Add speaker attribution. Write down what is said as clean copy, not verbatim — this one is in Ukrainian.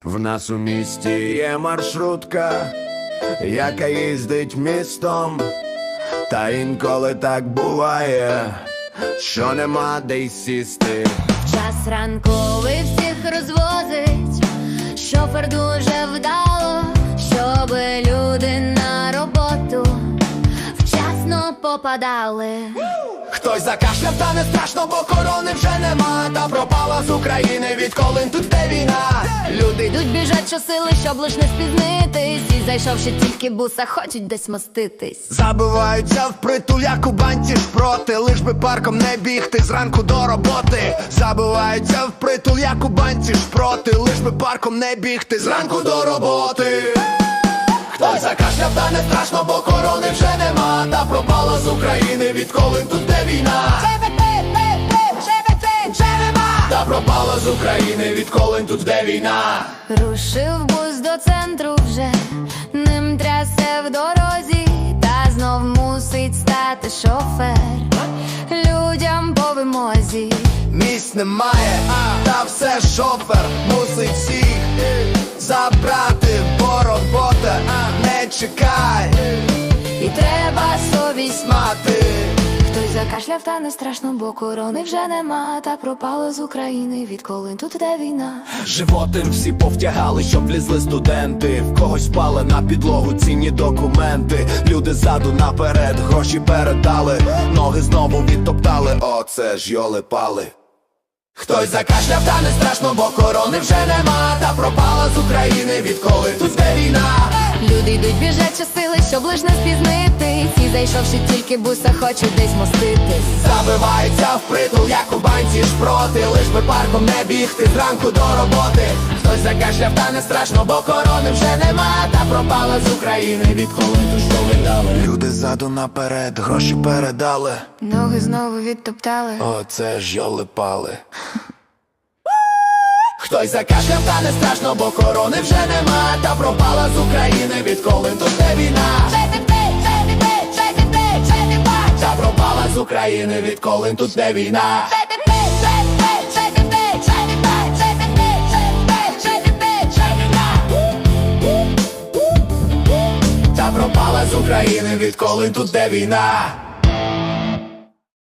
Speaker 1: В нас у місті є маршрутка, яка їздить містом, та інколи так буває, що нема де й сісти.
Speaker 2: Час ранковий всіх розвозить, шофер дуже вдало, щоби люди на роботу вчасно попадали.
Speaker 1: Хтось закашляв, та не страшно, бо корони вже нема. Та пропала з України, відколи тут де війна.
Speaker 2: Люди йдуть, біжать щосили, щоб лиш не спізнитись, і зайшовши тільки буса, хочуть десь моститись.
Speaker 1: Забиваються впритул, як у банці шпроти, лиш би парком не бігти зранку до роботи. Забиваються впритул, як у банці шпроти, лиш би парком не бігти зранку до роботи. Хтось закашляв, та не страшно, бо корони вже нема. Та пропала з України, відколи тут де війна. Та пропала з України, відколи тут де війна.
Speaker 2: Рушив бус до центру вже, ним трясе в дорозі, та знов мусить стати шофер людям по вимозі.
Speaker 1: Місць немає, та все шофер мусить всіх забрати, бо робота не чекай,
Speaker 2: І треба совість
Speaker 1: мати.
Speaker 2: Хтось закашляв, та не страшно, бо корони вже нема. Та пропало з України, відколи тут де війна.
Speaker 1: Животи всі повтягали, щоб влізли студенти. В когось впали на підлогу цінні документи. Люди ззаду наперед гроші передали, ноги знову відтоптали, оце ж йоли-пали. Хтось закашляв, та не страшно, бо корони вже нема. Та пропала з України, відколи тут де війна.
Speaker 2: Люди йдуть, біжать щосили, щоб лиш не спізнитись, і зайшовши тільки буса, хочуть десь моститись.
Speaker 1: Забиваються впритул, як у банці шпроти, лиш би парком не бігти зранку до роботи. Хтось закашляв, та не страшно, бо корони вже нема. Та пропала з України, відколи ту що видали. Люди ззаду наперед гроші передали,
Speaker 2: Ноги знову відтоптали.
Speaker 1: оце ж йоли-пали. Хтось закашляв, та не страшно, бо корони вже нема. Та пропала з України, відколи тут де війна. Та пропала з України, відколи тут де війна. Та пропала з України, відколи тут де війна.